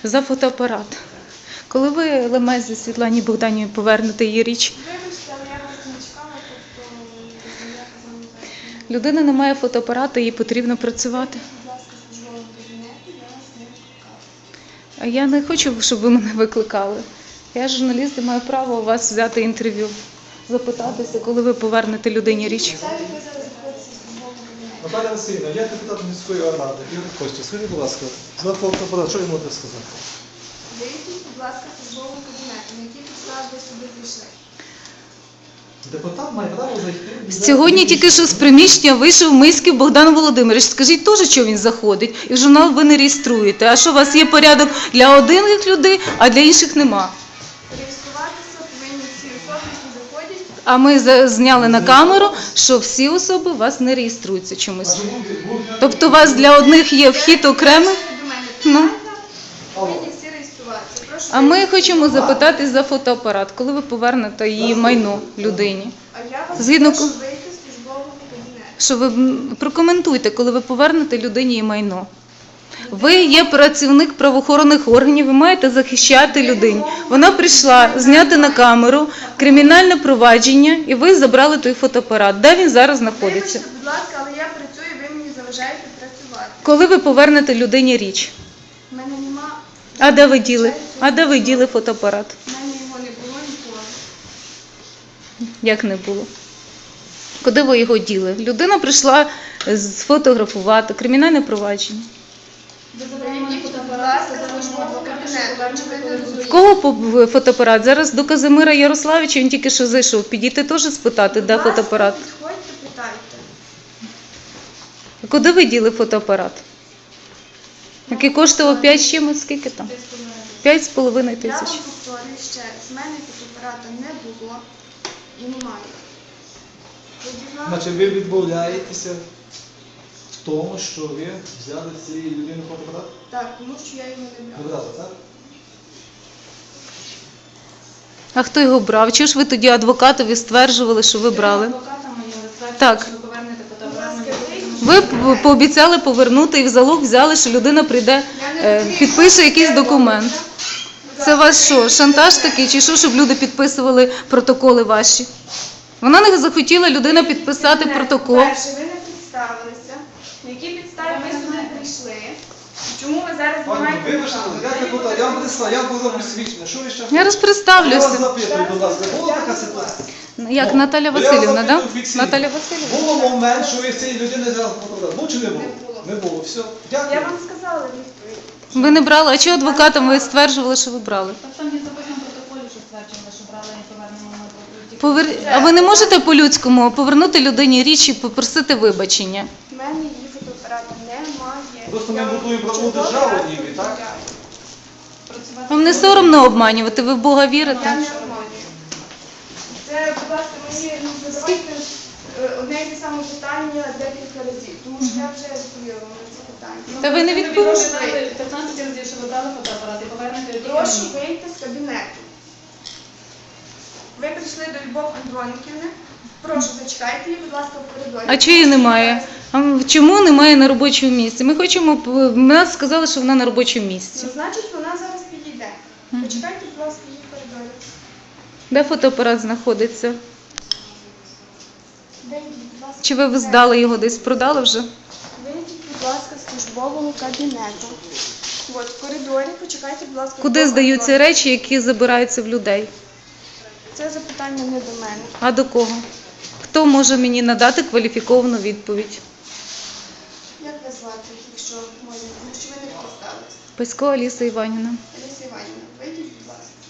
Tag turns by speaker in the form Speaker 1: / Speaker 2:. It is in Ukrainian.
Speaker 1: за фотоапарат. Коли ви Лемезі Світлані Богданівні повернете її річ?
Speaker 2: Вибачте, але я вас не чекала, тобто я казала зараз.
Speaker 1: Людина не має фотоапарату, їй потрібно працювати.
Speaker 2: Будь ласка, в службовому кабінеті, я вас не викликала.
Speaker 1: А я не хочу, щоб ви мене викликали. Я журналіст і маю право у вас взяти інтерв'ю, запитатися, коли ви повернете людині річ.
Speaker 2: Це ви зараз знаходитеся в службовому кабінеті.
Speaker 3: Наталя Васильівна, я депутат міської ради. Ігор Костя, скажіть, будь ласка, за фотоапарат, що ви можете сказати?
Speaker 2: Вийдіть, будь ласка, в службовому кабінеті. На які підстави ви сюди прийшли?
Speaker 3: Депутат має право зайти.
Speaker 1: Сьогодні тільки що з приміщення вийшов Миськів Богдан Володимирович. Скажіть теж, що він заходить. І в журнал ви не реєструєте. А що у вас є порядок для одних людей, а для інших нема?
Speaker 2: Реєструватися повинні всі особи, які заходять.
Speaker 1: А ми зняли на камеру, що всі особи у вас не реєструються чомусь. Тобто у вас для одних є вхід окремий?
Speaker 2: До мене
Speaker 1: Ну.
Speaker 2: питання, повинні всі реєструватися. Прошу
Speaker 1: А ми хочемо запитати за фотоапарат, коли ви повернете її майно людині.
Speaker 2: А я вас
Speaker 1: Згідно
Speaker 2: прошу
Speaker 1: ко-
Speaker 2: вийти з службового кабінету.
Speaker 1: Що ви прокоментуйте, коли ви повернете людині її майно. Ви є працівник правоохоронних органів, ви маєте захищати людину. Вона прийшла зняти на камеру кримінальне провадження, і ви забрали той фотоапарат. Де він зараз знаходиться?
Speaker 2: Вибачте, будь ласка, але я працюю, ви мені заважаєте працювати.
Speaker 1: Коли ви повернете людині річ?
Speaker 2: У мене нема,
Speaker 1: А де ви діли? А де ви діли фотоапарат?
Speaker 2: в мене його не було ніколи.
Speaker 1: Як не було? Куди ви його діли? Людина прийшла сфотографувати кримінальне провадження.
Speaker 2: Вийдіть, будь ласка, з службового кабінету. Чи ви не
Speaker 1: В
Speaker 2: розумієте?
Speaker 1: кого фотоапарат? Зараз до Казимира Ярославича, він тільки що зайшов. Підійти теж спитати, де
Speaker 2: Будь ласка,
Speaker 1: фотоапарат.
Speaker 2: підходьте, питайте.
Speaker 1: Куди ви діли фотоапарат? Який коштував 5 з чимось? Скільки там? 5,5
Speaker 2: Я
Speaker 1: тисяч.
Speaker 2: вам повторюю ще, з мене фотоапарата не було і немає. Будь ласка,
Speaker 3: Значить, ви відмовляєтеся в тому, що ви взяли з цієї людини фотоапарат?
Speaker 2: так, тому що я його не брала.
Speaker 3: Брали, так?
Speaker 1: А хто його брав? Чого ж ви тоді адвокатові стверджували, що ви брали? Так.
Speaker 2: Будь ласка, вийдіть.
Speaker 1: Ви пообіцяли повернути і в залог взяли, що людина прийде, підпише якийсь документ. Це ваш що, шантаж такий, чи що, щоб люди підписували протоколи ваші? Вона не захотіла людина підписати протокол.
Speaker 2: Перше, ви не представилися. На які підстави ви сюди прийшли? Чому ви зараз
Speaker 3: Пані,
Speaker 2: знімаєте
Speaker 3: вибачте, я депутат, я вам представ, я буду присвідчений. Що ви ще
Speaker 1: Я
Speaker 3: хочете? Я вас
Speaker 1: розпредставлюся.
Speaker 3: запитую, будь ласка, була така ситуація?
Speaker 1: Як Наталя
Speaker 3: Я вас
Speaker 1: Васильівна,
Speaker 3: запитую
Speaker 1: так?
Speaker 3: офіційно.
Speaker 1: Наталя Васильівна.
Speaker 3: Було момент, що ви з цієї людини взяли фотоапарат. Був чи не було?
Speaker 2: Не було.
Speaker 3: Не було, все.
Speaker 2: Я
Speaker 3: Дякую.
Speaker 2: вам сказала відповідь.
Speaker 1: Ви не брали, а чого адвокатам ви стверджували, що ви брали?
Speaker 4: Так там є записано в протоколі, що стверджували, що брали і повернемо на
Speaker 1: А ви не можете по-людському повернути людині річ і попросити вибачення?
Speaker 2: У мене її фотоапарата немає.
Speaker 3: Просто ми
Speaker 2: Я вам
Speaker 3: будуємо правову
Speaker 2: чудово
Speaker 3: державу
Speaker 2: раз
Speaker 3: ніби, так?
Speaker 2: повідомляю.
Speaker 1: Вам не соромно обманювати? Ви в Бога
Speaker 2: Я
Speaker 1: вірите?
Speaker 2: не обманюю. Це, будь ласка, мені задавайте одне і те саме питання декілька разів, тому що я вже відповіла вам на це питання.
Speaker 1: Та ви не відповіли.
Speaker 4: 15 разів, що ви брали фотоапарат і повернете тільки
Speaker 2: Прошу
Speaker 4: мені.
Speaker 2: вийти з кабінету. Ви прийшли до Любов Андроніківни. Прошу, зачекайте її, будь ласка, в коридорі.
Speaker 1: А чого її немає? А чому немає на робочому місці? Ми хочемо, нас сказали, що вона на робочому місці.
Speaker 2: Ну, значить, вона зараз підійде. Почекайте, будь ласка, її в коридорі.
Speaker 1: Де фотоапарат знаходиться?
Speaker 2: Вийдіть, будь ласка.
Speaker 1: Чи ви здали його десь, продали вже?
Speaker 2: Вийдіть, будь ласка, з службового кабінету. От, в коридорі, почекайте, будь ласка.
Speaker 1: Куди
Speaker 2: Любов
Speaker 1: здаються
Speaker 2: Андроніківна.
Speaker 1: речі, які забираються в людей?
Speaker 2: Це запитання не до мене.
Speaker 1: А до кого? Хто може мені надати кваліфіковану відповідь?
Speaker 2: Як вас звати, якщо можна? Тому що ви не представилися.
Speaker 1: Пасько Аліса Іванівна.
Speaker 2: Олеся Іванівна, вийдіть, будь ласка.